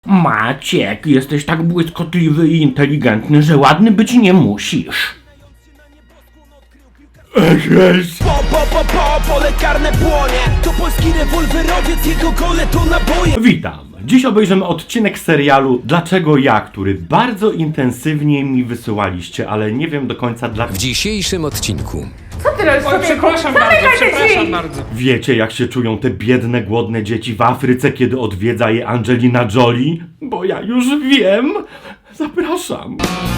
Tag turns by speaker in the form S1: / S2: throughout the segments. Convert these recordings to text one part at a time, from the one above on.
S1: Maciek, jesteś tak błyskotliwy i inteligentny, że ładny być nie musisz.
S2: Pole karne płonie. To polski rewolwerowiec, jego gole to naboje.
S1: Witam. Dziś obejrzymy odcinek serialu Dlaczego ja, który bardzo intensywnie mi wysyłaliście, ale nie wiem do końca dlaczego.
S3: W dzisiejszym odcinku
S4: Co ty robisz?
S5: Oj, przepraszam bardzo.
S1: Wiecie, jak się czują te biedne, głodne dzieci w Afryce, kiedy odwiedza je Angelina Jolie? Bo ja już wiem. Zapraszam.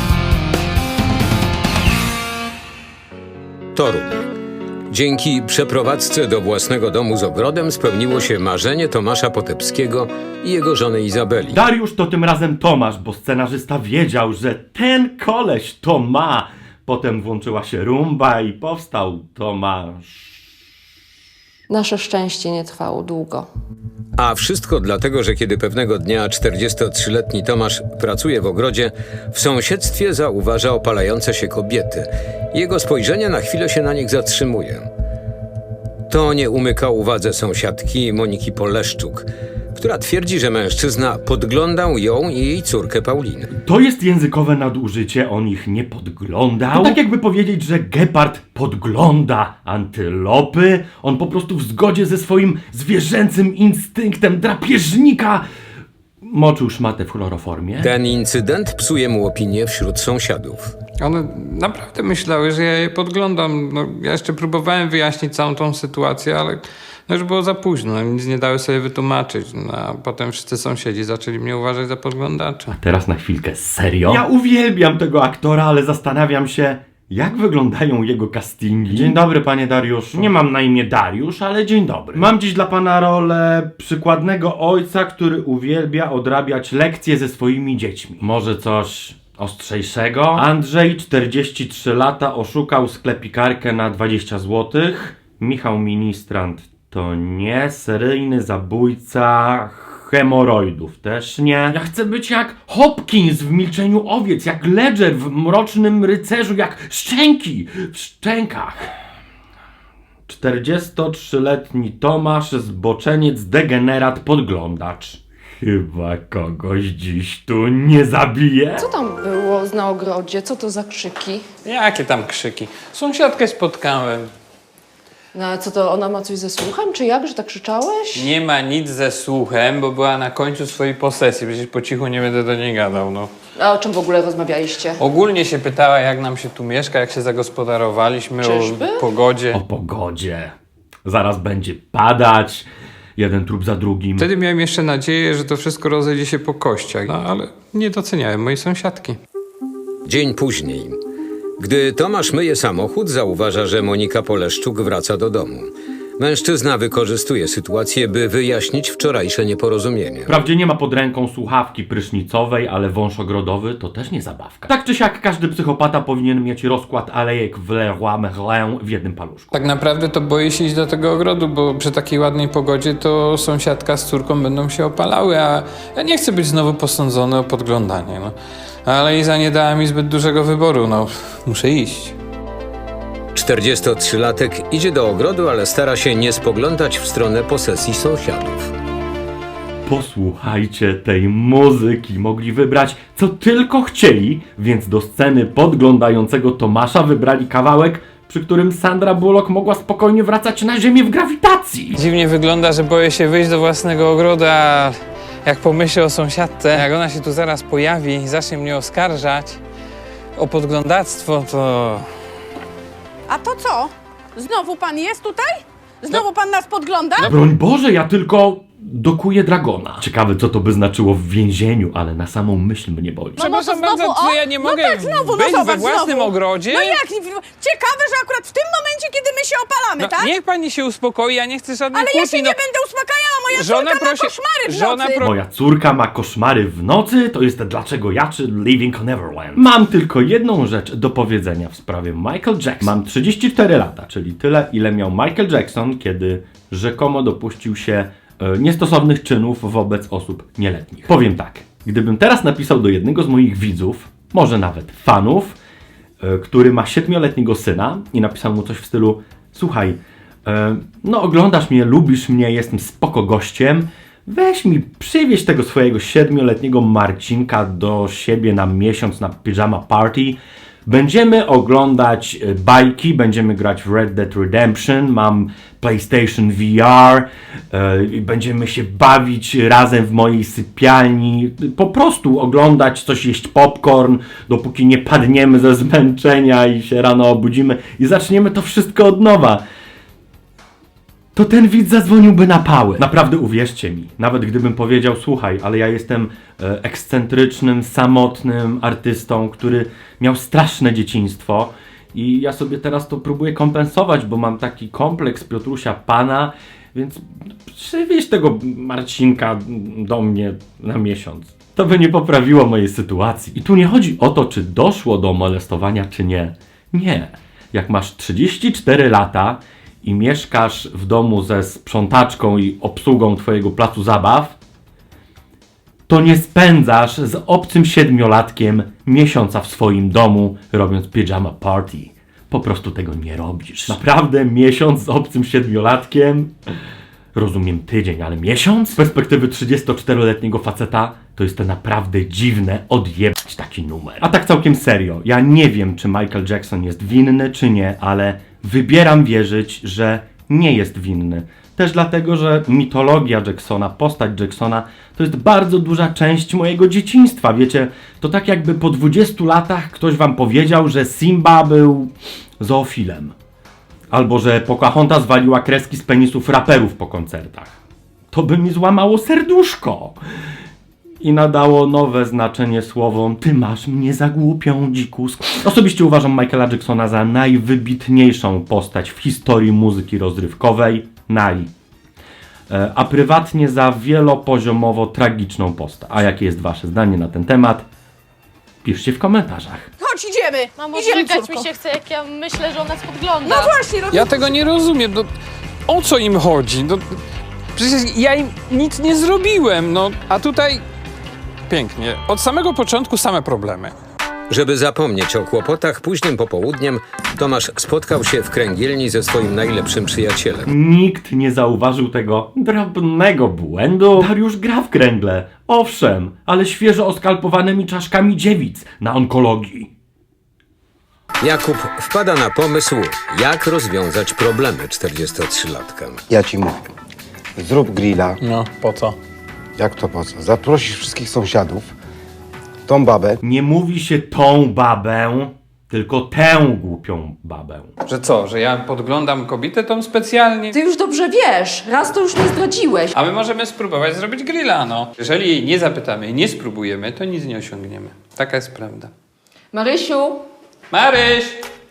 S3: Toruń. Dzięki przeprowadzce do własnego domu z ogrodem spełniło się marzenie Tomasza Potepskiego i jego żony Izabeli.
S1: Dariusz to tym razem Tomasz, bo scenarzysta wiedział, że ten koleś to ma. Potem włączyła się rumba i powstał Tomasz.
S6: Nasze szczęście nie trwało długo.
S3: A wszystko dlatego, że kiedy pewnego dnia 43-letni Tomasz pracuje w ogrodzie, w sąsiedztwie zauważa opalające się kobiety. Jego spojrzenie na chwilę się na nich zatrzymuje. To nie umyka uwadze sąsiadki Moniki Poleszczuk, która twierdzi, że mężczyzna podglądał ją i jej córkę Paulinę.
S1: To jest językowe nadużycie, on ich nie podglądał. To tak jakby powiedzieć, że gepard podgląda antylopy. On po prostu w zgodzie ze swoim zwierzęcym instynktem drapieżnika moczył szmatę w chloroformie.
S3: Ten incydent psuje mu opinię wśród sąsiadów.
S5: One naprawdę myślały, że ja je podglądam. No, ja jeszcze próbowałem wyjaśnić całą tą sytuację, ale już było za późno. Nic nie dały sobie wytłumaczyć. No, a potem wszyscy sąsiedzi zaczęli mnie uważać za podglądacza.
S1: Teraz na chwilkę, serio? Ja uwielbiam tego aktora, ale zastanawiam się, jak wyglądają jego castingi. Dzień dobry, panie Dariuszu. Nie mam na imię Dariusz, ale dzień dobry. Mam dziś dla pana rolę przykładnego ojca, który uwielbia odrabiać lekcje ze swoimi dziećmi. Może coś ostrzejszego? Andrzej, 43 lata, oszukał sklepikarkę na 20 zł. Michał Ministrant to nie. Seryjny zabójca hemoroidów też nie. Ja chcę być jak Hopkins w Milczeniu owiec, jak Ledger w Mrocznym Rycerzu, jak Szczęki w Szczękach. 43-letni Tomasz, zboczeniec, degenerat, podglądacz. Chyba kogoś dziś tu nie zabije.
S6: Co tam było na ogrodzie? Co to za krzyki?
S5: Jakie tam krzyki? Sąsiadkę spotkałem.
S6: No a co to, ona ma coś ze słuchem, czy jak, że tak krzyczałeś?
S5: Nie ma nic ze słuchem, bo była na końcu swojej posesji. Przecież po cichu nie będę do niej gadał, no.
S6: A o czym w ogóle rozmawialiście?
S5: Ogólnie się pytała, jak nam się tu mieszka, jak się zagospodarowaliśmy,
S6: Czyżby?
S5: o pogodzie.
S1: O pogodzie. Zaraz będzie padać. Jeden trup za drugim.
S5: Wtedy miałem jeszcze nadzieję, że to wszystko rozejdzie się po kościach, no ale nie doceniałem mojej sąsiadki.
S3: Dzień później. Gdy Tomasz myje samochód, zauważa, że Monika Poleszczuk wraca do domu. Mężczyzna wykorzystuje sytuację, by wyjaśnić wczorajsze nieporozumienie.
S1: Wprawdzie nie ma pod ręką słuchawki prysznicowej, ale wąż ogrodowy to też nie zabawka. Tak czy siak każdy psychopata powinien mieć rozkład alejek w Leroy Merlin w jednym paluszku.
S5: Tak naprawdę to boję się iść do tego ogrodu, bo przy takiej ładnej pogodzie to sąsiadka z córką będą się opalały, a ja nie chcę być znowu posądzony o podglądanie, no. Ale Iza nie dała mi zbyt dużego wyboru, no. Muszę iść.
S3: 43-latek idzie do ogrodu, ale stara się nie spoglądać w stronę posesji sąsiadów.
S1: Posłuchajcie tej muzyki. Mogli wybrać co tylko chcieli, więc do sceny podglądającego Tomasza wybrali kawałek, przy którym Sandra Bullock mogła spokojnie wracać na ziemię w grawitacji.
S5: Dziwnie wygląda, że boję się wyjść do własnego ogrodu, a jak pomyślę o sąsiadce, jak ona się tu zaraz pojawi i zacznie mnie oskarżać o podglądactwo, to...
S4: A to co? Znowu pan jest tutaj? Znowu pan nas podgląda?
S1: Broń Boże, ja tylko dokuję dragona. Ciekawe, co to by znaczyło w więzieniu, ale na samą myśl mnie boli.
S5: Przepraszam
S4: to znowu,
S5: bardzo,
S4: o?
S5: czy ja nie
S4: No
S5: mogę
S4: tak, znowu, no
S5: być
S4: zobacz,
S5: we własnym
S4: znowu.
S5: ogrodzie?
S4: No jak? Ciekawe, że akurat w tym momencie, kiedy my się opalamy,
S5: No,
S4: tak?
S5: niech pani się uspokoi, ja nie chcę żadnej
S4: Ale ja
S5: kłótni,
S4: się
S5: no.
S4: nie będę uspokajała, moja
S5: Żona
S4: córka ma
S5: prosi-
S4: koszmary w
S5: żona
S4: nocy.
S1: Moja córka ma koszmary w nocy, to jest Dlaczego ja, czy Living on Neverland. Mam tylko jedną rzecz do powiedzenia w sprawie Michael Jackson. Mam 34 lata, czyli tyle, ile miał Michael Jackson, kiedy rzekomo dopuścił się niestosownych czynów wobec osób nieletnich. Powiem tak, gdybym teraz napisał do jednego z moich widzów, może nawet fanów, który ma 7-letniego syna i napisał mu coś w stylu: słuchaj, no oglądasz mnie, lubisz mnie, jestem spoko gościem, weź mi, przywieź tego swojego 7-letniego Marcinka do siebie na miesiąc na pyjama party. Będziemy oglądać bajki, będziemy grać w Red Dead Redemption, mam PlayStation VR, będziemy się bawić razem w mojej sypialni, po prostu oglądać coś, jeść popcorn, dopóki nie padniemy ze zmęczenia i się rano obudzimy i zaczniemy to wszystko od nowa. To ten widz zadzwoniłby na pałę. Naprawdę uwierzcie mi, nawet gdybym powiedział, słuchaj, ale ja jestem ekscentrycznym, samotnym artystą, który miał straszne dzieciństwo i ja sobie teraz to próbuję kompensować, bo mam taki kompleks Piotrusia Pana, więc przywieź tego Marcinka do mnie na miesiąc. To by nie poprawiło mojej sytuacji. I tu nie chodzi o to, czy doszło do molestowania, czy nie. Nie. Jak masz 34 lata i mieszkasz w domu ze sprzątaczką i obsługą twojego placu zabaw, to nie spędzasz z obcym 7-latkiem miesiąca w swoim domu robiąc pyjama party. Po prostu tego nie robisz. Naprawdę miesiąc z obcym 7-latkiem? Rozumiem tydzień, ale miesiąc? Z perspektywy 34-letniego faceta to jest to naprawdę dziwne odjebać taki numer. A tak całkiem serio, ja nie wiem, czy Michael Jackson jest winny, czy nie, ale wybieram wierzyć, że nie jest winny. Też dlatego, że mitologia Jacksona, postać Jacksona to jest bardzo duża część mojego dzieciństwa. Wiecie, to tak jakby po 20 latach ktoś wam powiedział, że Simba był zoofilem. Albo że Pocahontas waliła kreski z penisów raperów po koncertach. To by mi złamało serduszko. I nadało nowe znaczenie słowom ty masz mnie za głupią, dzikus. Osobiście uważam Michaela Jacksona za najwybitniejszą postać w historii muzyki rozrywkowej. A prywatnie za wielopoziomowo tragiczną postać. A jakie jest wasze zdanie na ten temat? Piszcie w komentarzach.
S4: Chodź, idziemy!
S7: Mamo,
S4: Idziemy,
S7: żygać
S4: córko.
S7: mi się chce, jak ja myślę, że ona nas podgląda.
S4: No właśnie,
S5: Ja tego nie rozumiem. No, o co im chodzi? No, przecież ja im nic nie zrobiłem. No, a tutaj pięknie. Od samego początku same problemy.
S3: Żeby zapomnieć o kłopotach, późnym popołudniem Tomasz spotkał się w kręgielni ze swoim najlepszym przyjacielem.
S1: Nikt nie zauważył tego drobnego błędu. Dariusz gra w kręgle. Owszem, ale świeżo oskalpowanymi czaszkami dziewic na onkologii.
S3: Jakub wpada na pomysł, jak rozwiązać problemy 43-latka.
S8: Ja ci mówię, zrób grilla.
S5: No, po co?
S8: Jak to po co? Zaprosisz wszystkich sąsiadów, tą babę.
S1: Nie mówi się tą babę, tylko tę głupią babę.
S5: Że co, że ja podglądam kobietę tą specjalnie?
S6: Ty już dobrze wiesz, raz to już nie zdradziłeś.
S5: A my możemy spróbować zrobić grilla, no. Jeżeli jej nie zapytamy i nie spróbujemy, to nic nie osiągniemy. Taka jest prawda.
S6: Marysiu,
S5: Maryś!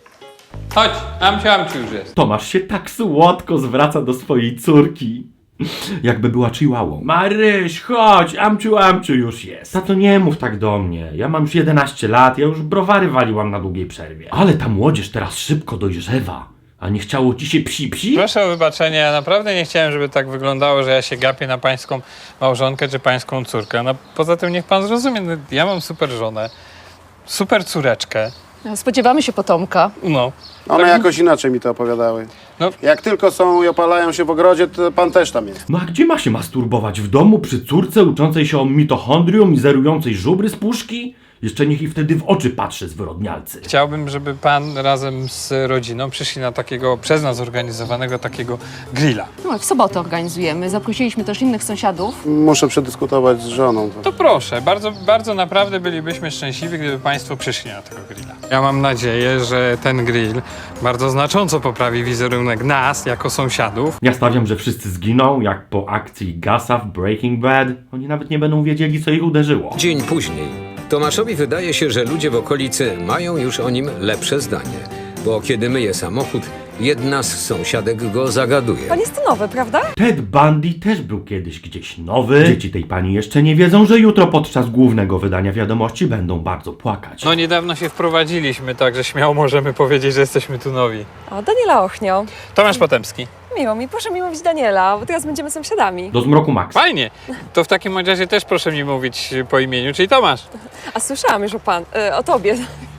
S5: Chodź, Amciu już jest.
S1: Tomasz się tak słodko zwraca do swojej córki. Jakby była chihuahą. Maryś, chodź, Amciu już jest. Tato, nie mów tak do mnie. Ja mam już 11 lat, ja już browary waliłam na długiej przerwie. Ale ta młodzież teraz szybko dojrzewa. A nie chciało ci się psi?
S5: Proszę o wybaczenie, ja naprawdę nie chciałem, żeby tak wyglądało, że ja się gapię na pańską małżonkę czy pańską córkę. No poza tym niech pan zrozumie, no, ja mam super żonę, super córeczkę.
S6: spodziewamy się potomka.
S5: No.
S9: One jakoś inaczej mi to opowiadały.
S5: No.
S9: Jak tylko są i opalają się w ogrodzie, to pan też tam jest.
S1: No a gdzie ma się masturbować? W domu przy córce uczącej się o mitochondrium i zerującej żubry z puszki? Jeszcze niech i wtedy w oczy patrzy zwyrodnialcy.
S5: Chciałbym, żeby pan razem z rodziną przyszli na takiego przez nas zorganizowanego takiego grilla.
S6: No, w sobotę organizujemy. Zaprosiliśmy też innych sąsiadów.
S9: Muszę przedyskutować z żoną.
S5: To proszę, bardzo naprawdę bylibyśmy szczęśliwi, gdyby państwo przyszli na tego grilla. Ja mam nadzieję, że ten grill bardzo znacząco poprawi wizerunek nas jako sąsiadów.
S1: Ja stawiam, że wszyscy zginą, jak po akcji Gasa w Breaking Bad. Oni nawet nie będą wiedzieli, co ich uderzyło.
S3: Dzień później. Tomaszowi wydaje się, że ludzie w okolicy mają już o nim lepsze zdanie, bo kiedy myje samochód, jedna z sąsiadek go zagaduje.
S10: Pan jest nowy, prawda?
S1: Ted Bundy też był kiedyś gdzieś nowy. Dzieci tej pani jeszcze nie wiedzą, że jutro podczas głównego wydania wiadomości będą bardzo płakać.
S5: No niedawno się wprowadziliśmy, także śmiało możemy powiedzieć, że jesteśmy tu nowi.
S10: O, Daniela Ochnio.
S5: Tomasz Potemski.
S10: Miło mi, proszę mi mówić Daniela, bo teraz będziemy sąsiadami.
S1: Do zmroku Max.
S5: Fajnie. To w takim razie też proszę mi mówić po imieniu, czyli Tomasz.
S10: A słyszałam już o tobie.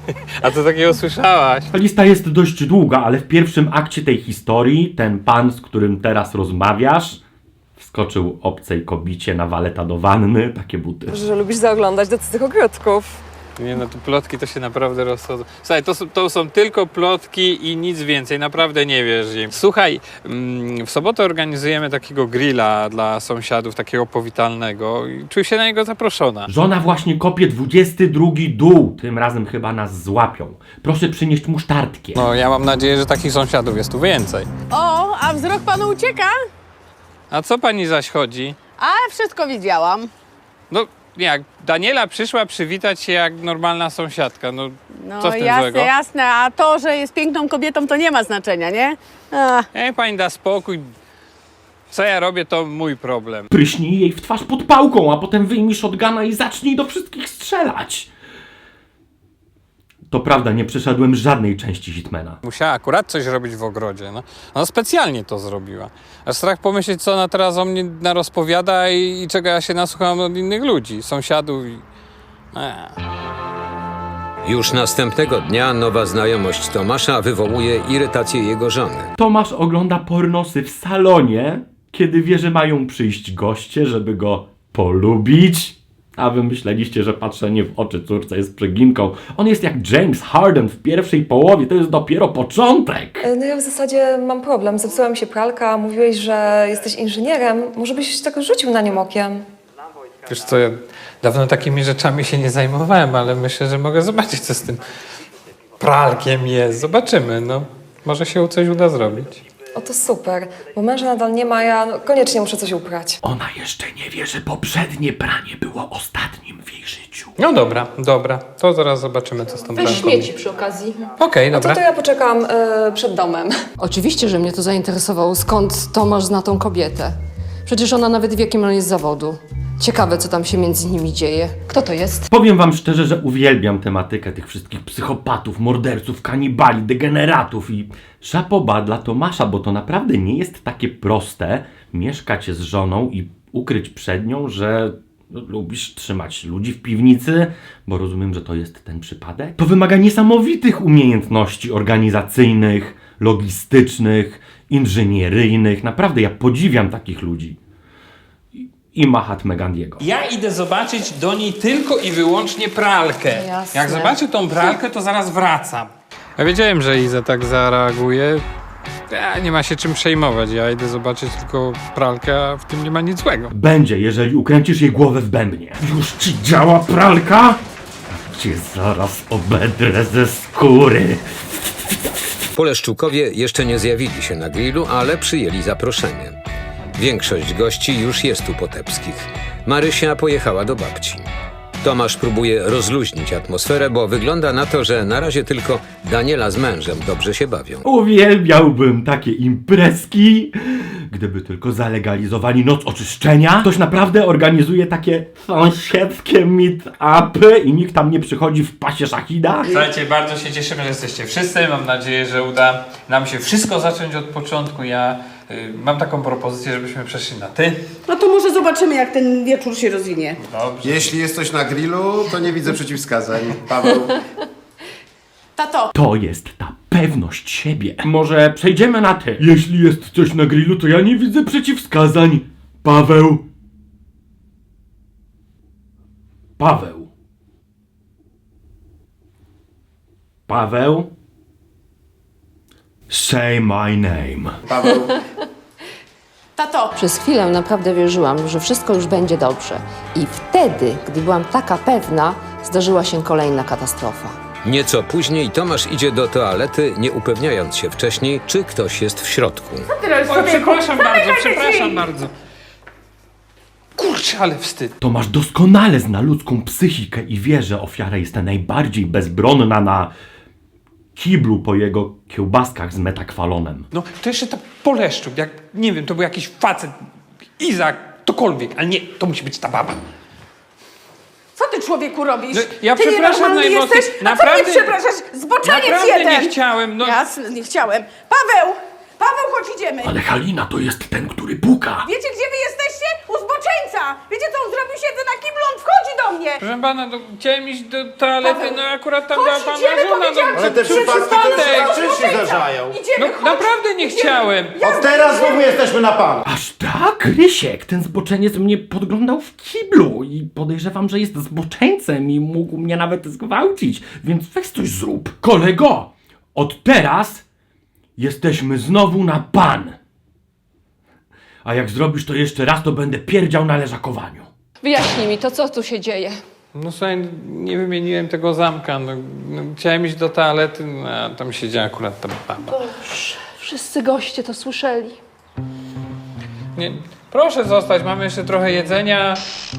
S5: A co takiego słyszałaś?
S1: Lista jest dość długa, ale w pierwszym akcie tej historii ten pan, z którym teraz rozmawiasz, Wskoczył obcej kobicie na waleta do wanny, takie buty.
S10: Że lubisz zaoglądać do cudzych ogródków.
S5: Nie no, te plotki to się naprawdę rozchodzą. Słuchaj, to są tylko plotki i nic więcej, naprawdę nie wierz im. Słuchaj, w sobotę organizujemy takiego grilla dla sąsiadów, takiego powitalnego i czuj się na niego zaproszona.
S1: Żona właśnie kopie 22 dół, tym razem chyba nas złapią. Proszę przynieść musztardkę.
S5: No, ja mam nadzieję, że takich sąsiadów jest tu więcej.
S4: O, a wzrok panu ucieka?
S5: A co pani zaś chodzi?
S4: A, wszystko widziałam.
S5: No, jak Daniela przyszła przywitać się jak normalna sąsiadka, no co w tym
S4: jasne,
S5: złego?
S4: jasne, a to, że jest piękną kobietą, to nie ma znaczenia, nie? A,
S5: Pani da spokój. Co ja robię, to mój problem.
S1: Pryśnij jej w twarz pod pałką, a potem wyjmij shotguna i zacznij do wszystkich strzelać. To prawda, nie przeszedłem żadnej części Hitmana.
S5: Musiała akurat coś robić w ogrodzie, no. Ona specjalnie to zrobiła. Aż strach pomyśleć, co ona teraz o mnie narozpowiada i czego ja się nasłucham od innych ludzi, sąsiadów i...
S3: Już następnego dnia nowa znajomość Tomasza wywołuje irytację jego żony.
S1: Tomasz ogląda pornosy w salonie, kiedy wie, że mają przyjść goście, żeby go polubić. A wy myśleliście, że patrzenie w oczy córce jest przeginką. On jest jak James Harden w pierwszej połowie, to jest dopiero początek.
S10: No ja w zasadzie mam problem. Zepsuła mi się pralka, mówiłeś, że jesteś inżynierem. Może byś tak rzucił na nią okiem?
S5: Wiesz co, ja dawno takimi rzeczami się nie zajmowałem, ale myślę, że mogę zobaczyć, co z tym pralkiem jest. Zobaczymy, no. Może się coś uda zrobić.
S10: O, to super, bo męża nadal nie ma, ja koniecznie muszę coś uprać.
S1: Ona jeszcze nie wie, że poprzednie pranie było ostatnim w jej życiu.
S5: No dobra, to zaraz zobaczymy, co z tą
S6: Weź
S5: pralką.
S6: śmieci przy okazji.
S5: Okej,
S10: No
S5: dobra.
S10: to ja poczekam przed domem.
S6: Oczywiście, że mnie to zainteresowało. Skąd Tomasz zna tą kobietę? Przecież ona nawet wie, jakim on jest z zawodu. Ciekawe, co tam się między nimi dzieje. Kto to jest?
S1: Powiem wam szczerze, że uwielbiam tematykę tych wszystkich psychopatów, morderców, kanibali, degeneratów i szapoba dla Tomasza, bo to naprawdę nie jest takie proste mieszkać z żoną i ukryć przed nią, że lubisz trzymać ludzi w piwnicy, bo rozumiem, że to jest ten przypadek. To wymaga niesamowitych umiejętności organizacyjnych, logistycznych, inżynieryjnych. Naprawdę, ja podziwiam takich ludzi. I Mahatmę Gandiego.
S5: Ja idę zobaczyć do niej tylko i wyłącznie pralkę.
S6: Jasne.
S5: Jak zobaczę tą pralkę, to zaraz wracam. Ja wiedziałem, że Iza tak zareaguje. Nie ma się czym przejmować. Ja idę zobaczyć tylko pralkę, a w tym nie ma nic złego.
S1: Będzie, jeżeli ukręcisz jej głowę w bębnie. Już ci działa pralka? Cię zaraz obedrę ze skóry.
S3: Poleszczukowie jeszcze nie zjawili się na grillu, ale przyjęli zaproszenie. Większość gości już jest u Potepskich. Marysia pojechała do babci. Tomasz próbuje rozluźnić atmosferę, bo wygląda na to, że na razie tylko Daniela z mężem dobrze się bawią.
S1: Uwielbiałbym takie imprezki, gdyby tylko zalegalizowali noc oczyszczenia. Ktoś naprawdę organizuje takie sąsiedzkie meet-upy i nikt tam nie przychodzi w pasie szachida.
S5: Słuchajcie, bardzo się cieszymy, że jesteście wszyscy. Mam nadzieję, że uda nam się wszystko zacząć od początku. Ja mam taką propozycję, żebyśmy przeszli na ty.
S4: no to może zobaczymy, jak ten wieczór się rozwinie.
S5: Dobrze.
S9: Jeśli jest coś na grillu, to nie widzę przeciwwskazań. Paweł.
S4: Tato,
S1: To jest ta pewność siebie. Może przejdziemy na ty. Jeśli jest coś na grillu, to ja nie widzę przeciwwskazań. Paweł. Paweł. Paweł. Say my name.
S9: Paweł.
S4: tato,
S6: Przez chwilę naprawdę wierzyłam, że wszystko już będzie dobrze. I wtedy, gdy byłam taka pewna, zdarzyła się kolejna katastrofa.
S3: Nieco później Tomasz idzie do toalety, nie upewniając się wcześniej, czy ktoś jest w środku.
S5: Oj, przepraszam bardzo. Kurczę, ale wstyd.
S1: Tomasz doskonale zna ludzką psychikę i wie, że ofiara jest najbardziej bezbronna na kiblu po jego kiełbaskach z metakwalonem.
S5: No, to jeszcze ta Poleszczuk, jak, nie wiem, to był jakiś facet, Izak, ktokolwiek, ale nie, to musi być ta baba.
S4: co ty człowieku robisz?
S5: No, ja
S4: ty
S5: przepraszam
S4: nienormalny
S5: najmocniej.
S4: jesteś? A
S5: Naprawdę-
S4: co ty przepraszasz? Zboczeniec
S5: Naprawdę
S4: jeden!
S5: nie chciałem, no.
S4: Jasne, nie chciałem. Paweł! Paweł, chodź, idziemy!
S1: Ale Halina to jest ten, który puka.
S4: Wiecie, gdzie wy jesteście? U zboczeńca! Wiecie, co on zrobił siedzę na kiblu, on wchodzi do mnie!
S5: Proszę pana, no, chciałem iść do toalety,
S4: Paweł,
S5: no akurat tam
S4: chodź,
S5: była pana
S4: idziemy,
S5: żona.
S4: powiedziałam,
S5: No,
S9: Ale te przypadki to już się na czynsi zdarzają.
S4: Idziemy,
S5: no
S4: chodź.
S5: naprawdę nie chciałem.
S9: Od teraz znowu jesteśmy na pan.
S1: Aż tak? Krysiek, ten zboczeniec mnie podglądał w kiblu i podejrzewam, że jest zboczeńcem i mógł mnie nawet zgwałcić, więc weź coś zrób. Kolego, od teraz jesteśmy znowu na pan. A jak zrobisz to jeszcze raz, to będę pierdział na leżakowaniu.
S6: Wyjaśnij mi to, co tu się dzieje.
S5: No słuchaj, nie wymieniłem tego zamka. No, chciałem iść do toalety, no, a tam siedziała akurat ta baba.
S6: Wszyscy goście to słyszeli.
S5: Nie, proszę zostać, mamy jeszcze trochę jedzenia.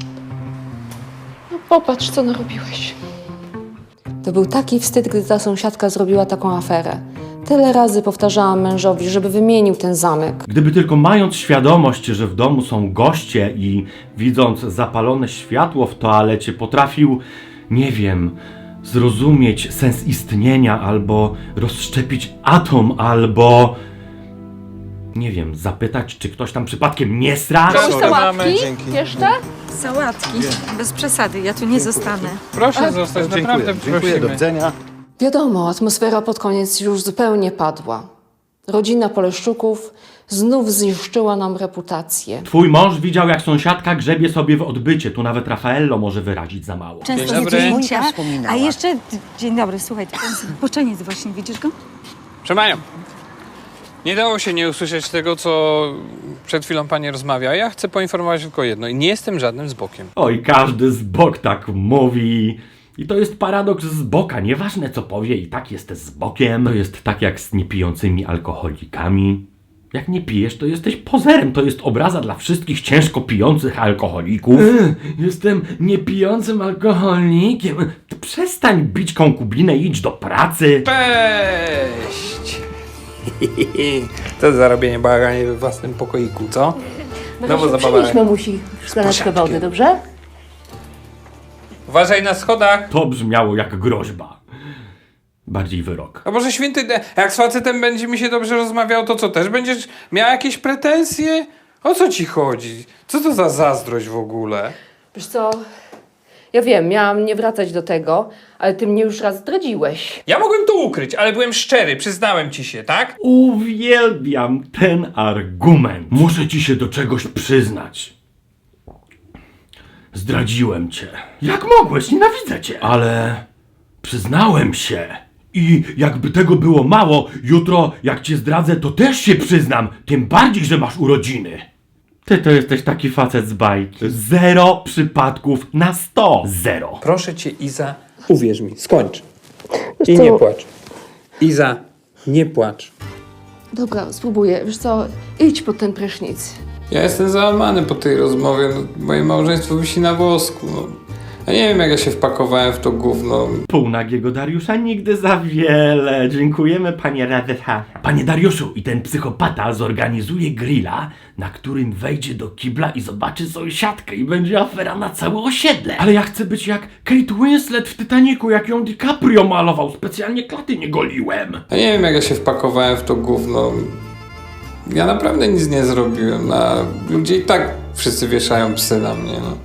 S6: No popatrz, co narobiłeś. To był taki wstyd, gdy ta sąsiadka zrobiła taką aferę. Tyle razy powtarzałam mężowi, żeby wymienił ten zamek.
S1: Gdyby tylko mając świadomość, że w domu są goście i widząc zapalone światło w toalecie potrafił, nie wiem, zrozumieć sens istnienia albo rozszczepić atom, albo nie wiem, zapytać, czy ktoś tam przypadkiem nie sra?
S6: Sałatki? Jeszcze?
S11: Sałatki. Bez przesady, ja tu nie zostanę.
S5: Proszę zostać, naprawdę prosimy.
S9: Do widzenia.
S6: Wiadomo, atmosfera pod koniec już zupełnie padła. Rodzina Poleszczuków znów zniszczyła nam reputację.
S1: Twój mąż widział, jak sąsiadka grzebie sobie w odbycie. Tu nawet Raffaello może wyrazić za mało.
S11: Często
S5: Dzień dobry.
S11: zdjęcia. A jeszcze, dzień dobry, słuchaj, ten zboczeniec właśnie, widzisz go?
S5: Proszę panią, nie dało się nie usłyszeć tego, co przed chwilą pani rozmawia. Ja chcę poinformować tylko jedno. Nie jestem żadnym zbokiem.
S1: Oj, każdy z bok tak mówi. I to jest paradoks z boka. Nieważne co powie, i tak jest z bokiem. To jest tak jak z niepijącymi alkoholikami. Jak nie pijesz, to jesteś pozerem. To jest obraza dla wszystkich ciężko pijących alkoholików. Jestem niepijącym alkoholikiem. Przestań bić konkubinę i idź do pracy.
S5: Cześć! To zarobienie bałaganie we własnym pokoiku, co? No bo zabawa.
S6: musi szklaneczkę wody, dobrze?
S5: Uważaj na schodach.
S1: To brzmiało jak groźba. Bardziej wyrok.
S5: A Boże Święty, jak z facetem będzie mi się dobrze rozmawiał, to co, też będziesz miał jakieś pretensje? O co ci chodzi? Co to za zazdrość w ogóle?
S6: Wiesz co, ja wiem, miałam nie wracać do tego, ale ty mnie już raz zdradziłeś.
S5: Ja mogłem to ukryć, ale byłem szczery, przyznałem ci się, tak?
S1: Uwielbiam ten argument. Muszę ci się do czegoś przyznać. Zdradziłem cię. Jak mogłeś? Nienawidzę cię. Ale przyznałem się. I jakby tego było mało, jutro jak cię zdradzę, to też się przyznam. Tym bardziej, że masz urodziny. Ty to jesteś taki facet z bajki. 0 przypadków na 100. 0.
S5: Proszę cię, Iza, uwierz mi, skończ.
S6: I nie
S5: płacz. Iza, nie płacz.
S6: Dobra, spróbuję. Wiesz co, idź pod ten prysznic.
S5: Ja jestem załamany po tej rozmowie. No, moje małżeństwo wisi na włosku. No. Ja nie wiem, jak ja się wpakowałem w to gówno.
S1: Półnagiego Dariusza nigdy za wiele. Dziękujemy, panie Radha. Panie Dariuszu, i ten psychopata zorganizuje grilla, na którym wejdzie do kibla i zobaczy sąsiadkę i będzie afera na całe osiedle. Ale ja chcę być jak Kate Winslet w Titanicu, jak ją DiCaprio malował. Specjalnie klaty nie goliłem.
S5: Ja nie wiem, jak ja się wpakowałem w to gówno. Ja naprawdę nic nie zrobiłem. A ludzie i tak wszyscy wieszają psy na mnie. No.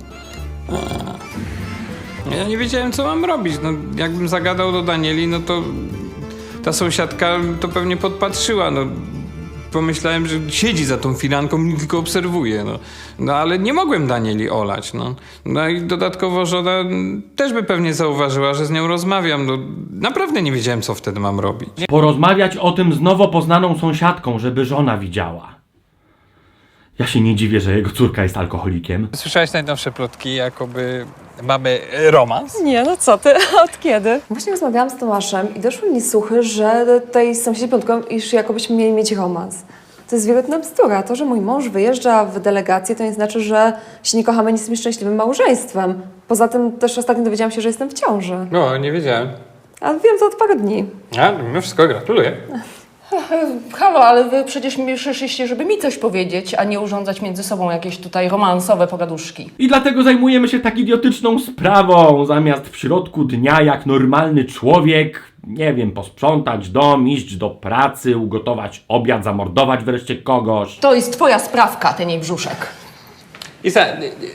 S5: Ja nie wiedziałem, co mam robić. No, jakbym zagadał do Danieli, no to ta sąsiadka to pewnie podpatrzyła. No, pomyślałem, że siedzi za tą firanką i tylko obserwuje. No ale nie mogłem Danieli olać. No i dodatkowo żona też by pewnie zauważyła, że z nią rozmawiam. No, naprawdę nie wiedziałem, co wtedy mam robić.
S1: Porozmawiać o tym z nowo poznaną sąsiadką, żeby żona widziała. Ja się nie dziwię, że jego córka jest alkoholikiem.
S5: Słyszałeś najnowsze plotki, jakoby mamy romans?
S10: Nie, no co ty, od kiedy? Właśnie rozmawiałam z Tomaszem i doszły mi słuchy, że tej sąsiedzi piątką, iż jakobyśmy mieli mieć romans. To jest wielotna bzdura. To, że mój mąż wyjeżdża w delegację, to nie znaczy, że się nie kochamy, nie jesteśmy szczęśliwym małżeństwem. Poza tym też ostatnio dowiedziałam się, że jestem w ciąży.
S5: No, nie wiedziałem.
S10: A wiem to od paru dni.
S5: A, mimo wszystko gratuluję.
S6: Halo, ale wy przecież mi przyszliście, żeby mi coś powiedzieć, a nie urządzać między sobą jakieś tutaj romansowe pogaduszki.
S1: I dlatego zajmujemy się tak idiotyczną sprawą. Zamiast w środku dnia, jak normalny człowiek, nie wiem, posprzątać dom, iść do pracy, ugotować obiad, zamordować wreszcie kogoś.
S6: To jest twoja sprawka, ten jej brzuszek.
S5: Isa,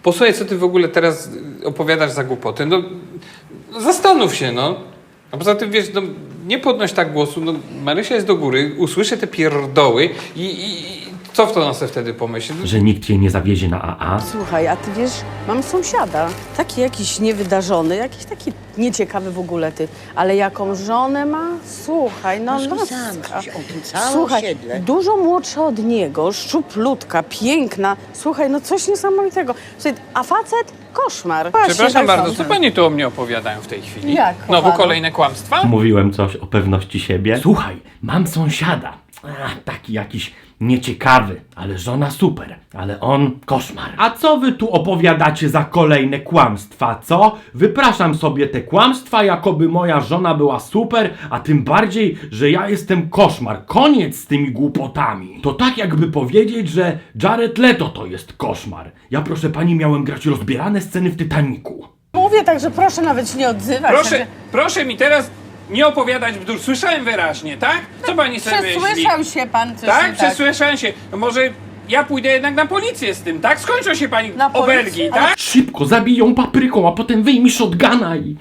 S5: Posłuchaj, co ty w ogóle teraz opowiadasz za głupoty. No, zastanów się, no. A poza tym, wiesz, no, nie podnoś tak głosu. No, Marysia jest do góry, usłyszy te pierdoły i co w to ona sobie wtedy pomyśli?
S1: Że nikt jej nie zawiezie na AA.
S4: Słuchaj, a ty wiesz, mam sąsiada. Taki jakiś niewydarzony, jakiś taki nieciekawy w ogóle ty. Ale jaką żonę ma? Słuchaj, no laska. Słuchaj, dużo młodsza od niego, szczuplutka, piękna. Słuchaj, no coś niesamowitego. Słuchaj, a facet? Koszmar.
S5: Przepraszam bardzo, co pani tu o mnie opowiadają w tej chwili?
S4: Jak,
S5: Znowu
S4: kochana?
S5: kolejne kłamstwa?
S1: Mówiłem coś o pewności siebie. Słuchaj, mam sąsiada. Taki jakiś nieciekawy, ale żona super, ale on koszmar. A co wy tu opowiadacie za kolejne kłamstwa, co? Wypraszam sobie te kłamstwa, jakoby moja żona była super, a tym bardziej, że ja jestem koszmar. Koniec z tymi głupotami. To tak jakby powiedzieć, że Jared Leto to jest koszmar. Ja, proszę pani, miałem grać rozbierane sceny w Titanicu.
S4: Mówię tak, że proszę nawet się nie odzywać.
S5: Proszę mi teraz nie opowiadać bzdur. Słyszałem wyraźnie, tak? Co pani sobie myśli?
S4: Przesłyszał się pan coś.
S5: Tak? Przesłyszałem się. No może ja pójdę jednak na policję z tym, tak? Skończą się pani
S4: Na policję?
S5: obelgi, tak?
S1: Szybko zabiją papryką, a potem wyjmij shotguna i...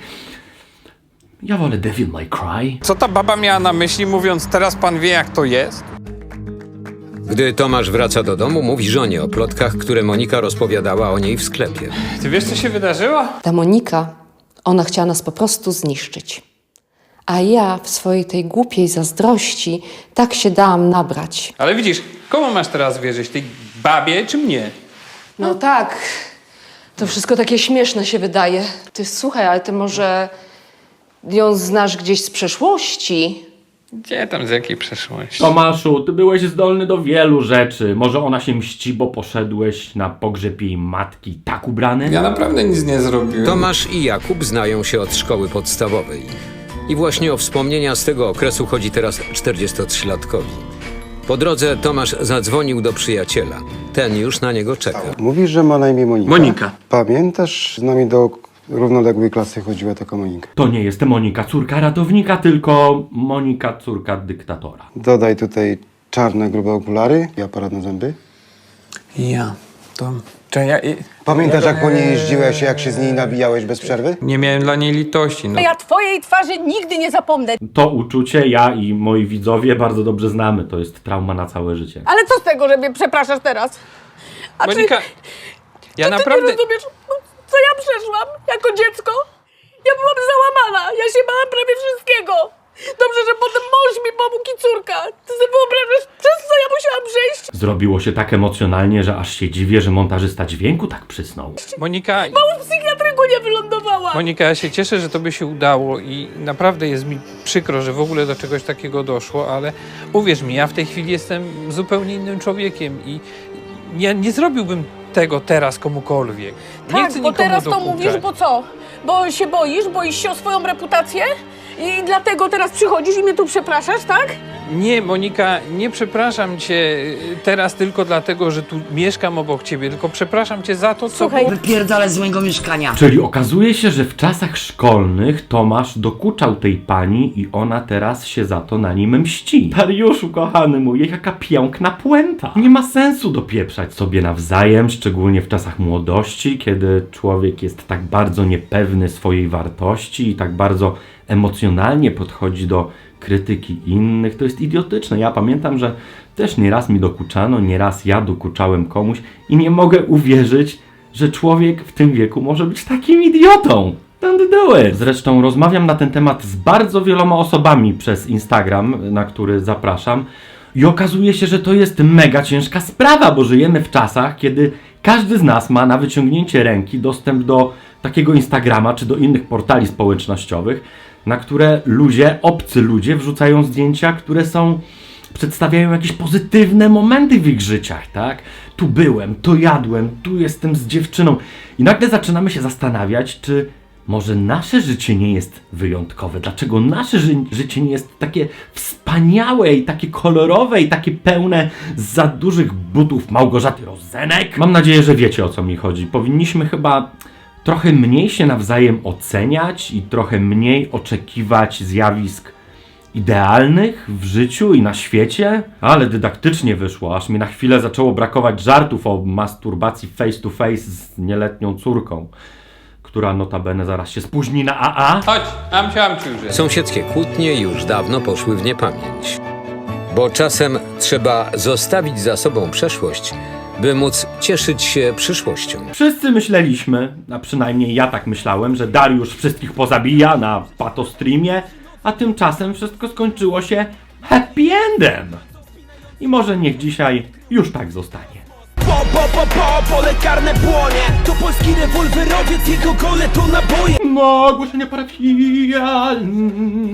S1: Ja wolę Devil May Cry.
S5: Co ta baba miała na myśli, mówiąc, teraz pan wie, jak to jest?
S3: Gdy Tomasz wraca do domu, mówi żonie o plotkach, które Monika rozpowiadała o niej w sklepie.
S5: Ty wiesz, co się wydarzyło?
S6: Ta Monika, ona chciała nas po prostu zniszczyć. A ja w swojej tej głupiej zazdrości tak się dałam nabrać.
S5: Ale widzisz, komu masz teraz wierzyć? Tej babie czy mnie?
S6: No tak, to wszystko takie śmieszne się wydaje. Ty słuchaj, ale ty może ją znasz gdzieś z przeszłości?
S5: Gdzie tam, z jakiej przeszłości?
S1: Tomaszu, ty byłeś zdolny do wielu rzeczy. Może ona się mści, bo poszedłeś na pogrzeb jej matki tak ubrany?
S5: Ja naprawdę nic nie zrobiłem.
S3: Tomasz i Jakub znają się od szkoły podstawowej. I właśnie o wspomnienia z tego okresu chodzi teraz 43-latkowi. Po drodze Tomasz zadzwonił do przyjaciela. Ten już na niego czeka.
S8: Mówisz, że ma na imię Monika.
S5: Monika.
S8: Pamiętasz, z nami do równoległej klasy chodziła taka Monika.
S1: To nie jest Monika, córka ratownika, tylko Monika, córka dyktatora.
S8: Dodaj tutaj czarne, grube okulary i aparat na zęby.
S5: Ja, to...
S8: Pamiętasz, jak po niej jeździłeś, jak się z niej nabijałeś bez przerwy?
S5: Nie miałem dla niej litości, no.
S4: Ja twojej twarzy nigdy nie zapomnę.
S1: To uczucie ja i moi widzowie bardzo dobrze znamy. To jest trauma na całe życie.
S4: Ale co z tego, że mnie przepraszasz teraz? A
S5: Monika, ja
S4: ty
S5: naprawdę...
S4: nie rozumiesz, co ja przeszłam jako dziecko? Ja byłam załamana, ja się bałam prawie wszystkiego. Dobrze, że potem mąż mi pomógł i córka. Ty sobie wyobrażasz, przez co ja musiałam przejść?
S1: Zrobiło się tak emocjonalnie, że aż się dziwię, że montażysta dźwięku tak przysnął.
S5: Monika...
S4: W psychiatryku nie wylądowałam.
S5: Monika, ja się cieszę, że tobie się udało i naprawdę jest mi przykro, że w ogóle do czegoś takiego doszło, ale uwierz mi, ja w tej chwili jestem zupełnie innym człowiekiem i ja nie zrobiłbym tego teraz komukolwiek. Nie
S4: Tak,
S5: chcę
S4: bo
S5: nikomu
S4: teraz to
S5: dokuczać.
S4: mówisz, bo co? Bo się boisz się o swoją reputację? I dlatego teraz przychodzisz i mnie tu przepraszasz, tak?
S5: Nie, Monika, nie przepraszam cię teraz tylko dlatego, że tu mieszkam obok ciebie, tylko przepraszam cię za to, co...
S4: Słuchaj,
S11: Wypierdalać z mojego mieszkania.
S1: Czyli okazuje się, że w czasach szkolnych Tomasz dokuczał tej pani i ona teraz się za to na nim mści. Dariuszu, kochany mój, jaka piękna puenta. Nie ma sensu dopieprzać sobie nawzajem, szczególnie w czasach młodości, kiedy człowiek jest tak bardzo niepewny swojej wartości i tak bardzo emocjonalnie podchodzi do krytyki innych. To jest idiotyczne. Ja pamiętam, że też nieraz mi dokuczano, nieraz ja dokuczałem komuś i nie mogę uwierzyć, że człowiek w tym wieku może być takim idiotą. Don't do it. Zresztą rozmawiam na ten temat z bardzo wieloma osobami przez Instagram, na który zapraszam. I okazuje się, że to jest mega ciężka sprawa, bo żyjemy w czasach, kiedy każdy z nas ma na wyciągnięcie ręki dostęp do takiego Instagrama czy do innych portali społecznościowych, na które obcy ludzie wrzucają zdjęcia, które przedstawiają jakieś pozytywne momenty w ich życiach, tak? Tu byłem, to jadłem, tu jestem z dziewczyną. I nagle zaczynamy się zastanawiać, czy może nasze życie nie jest wyjątkowe? Dlaczego nasze życie nie jest takie wspaniałe i takie kolorowe i takie pełne za dużych butów Małgorzaty Rozenek? Mam nadzieję, że wiecie, o co mi chodzi. Powinniśmy chyba trochę mniej się nawzajem oceniać i trochę mniej oczekiwać zjawisk idealnych w życiu i na świecie, ale dydaktycznie wyszło, aż mi na chwilę zaczęło brakować żartów o masturbacji face to face z nieletnią córką, która notabene zaraz się spóźni na AA.
S5: Chodź, amciu już jest.
S3: Sąsiedzkie kłótnie już dawno poszły w niepamięć. Bo czasem trzeba zostawić za sobą przeszłość, by móc cieszyć się przyszłością.
S1: Wszyscy myśleliśmy, a przynajmniej ja tak myślałem, że Dariusz wszystkich pozabija na patostreamie, a tymczasem wszystko skończyło się happy endem. I może niech dzisiaj już tak zostanie.
S2: Pole karne płonie. To polski rewolwerowiec, jego gole to naboje.
S1: No, ogłoszenie parafialne.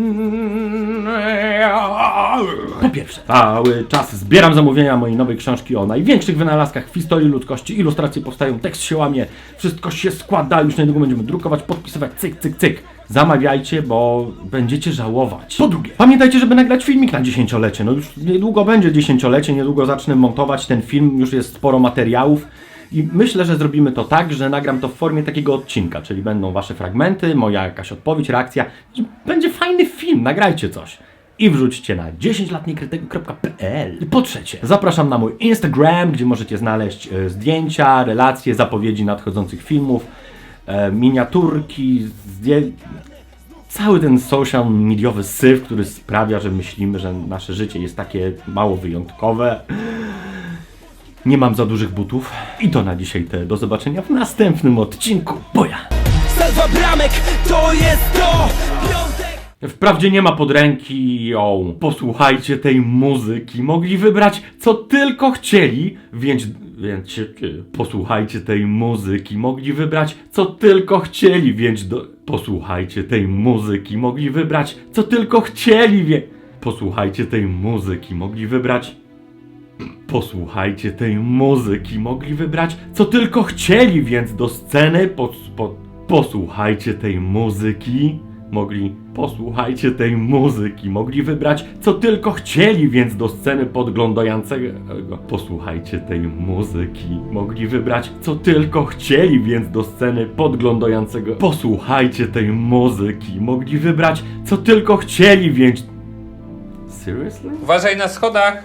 S1: Po pierwsze, cały czas zbieram zamówienia mojej nowej książki o największych wynalazkach w historii ludzkości. Ilustracje powstają, tekst się łamie, wszystko się składa, już niedługo będziemy drukować, podpisywać, cyk, cyk, cyk. Zamawiajcie, bo będziecie żałować. Po drugie, pamiętajcie, żeby nagrać filmik na 10-lecie. No już niedługo będzie 10-lecie, niedługo zacznę montować ten film, już jest sporo materiałów. I myślę, że zrobimy to tak, że nagram to w formie takiego odcinka, czyli będą wasze fragmenty, moja jakaś odpowiedź, reakcja. I będzie fajny film, nagrajcie coś. I wrzućcie na 10latniekrytyku.pl. Po trzecie, zapraszam na mój Instagram, gdzie możecie znaleźć zdjęcia, relacje, zapowiedzi nadchodzących filmów, miniaturki, cały ten social mediowy syf, który sprawia, że myślimy, że nasze życie jest takie mało wyjątkowe. Nie mam za dużych butów. I to na dzisiaj te. Do zobaczenia w następnym odcinku. Boja!
S2: Salwa bramek, to jest to.
S1: Wprawdzie nie ma podręki, posłuchajcie tej muzyki. Mogli wybrać co tylko chcieli, więc posłuchajcie tej muzyki. Mogli wybrać co tylko chcieli, więc posłuchajcie tej muzyki. Mogli wybrać co tylko chcieli, posłuchajcie tej muzyki. Mogli wybrać. Posłuchajcie tej muzyki. Mogli wybrać co tylko chcieli, więc do sceny posłuchajcie tej muzyki. Posłuchajcie tej muzyki. Mogli wybrać co tylko chcieli, więc do sceny podglądającego. Posłuchajcie tej muzyki. Mogli wybrać co tylko chcieli, więc do sceny podglądającego. Posłuchajcie tej muzyki. Mogli wybrać co tylko chcieli, więc. Seriously?
S5: Uważaj na schodach.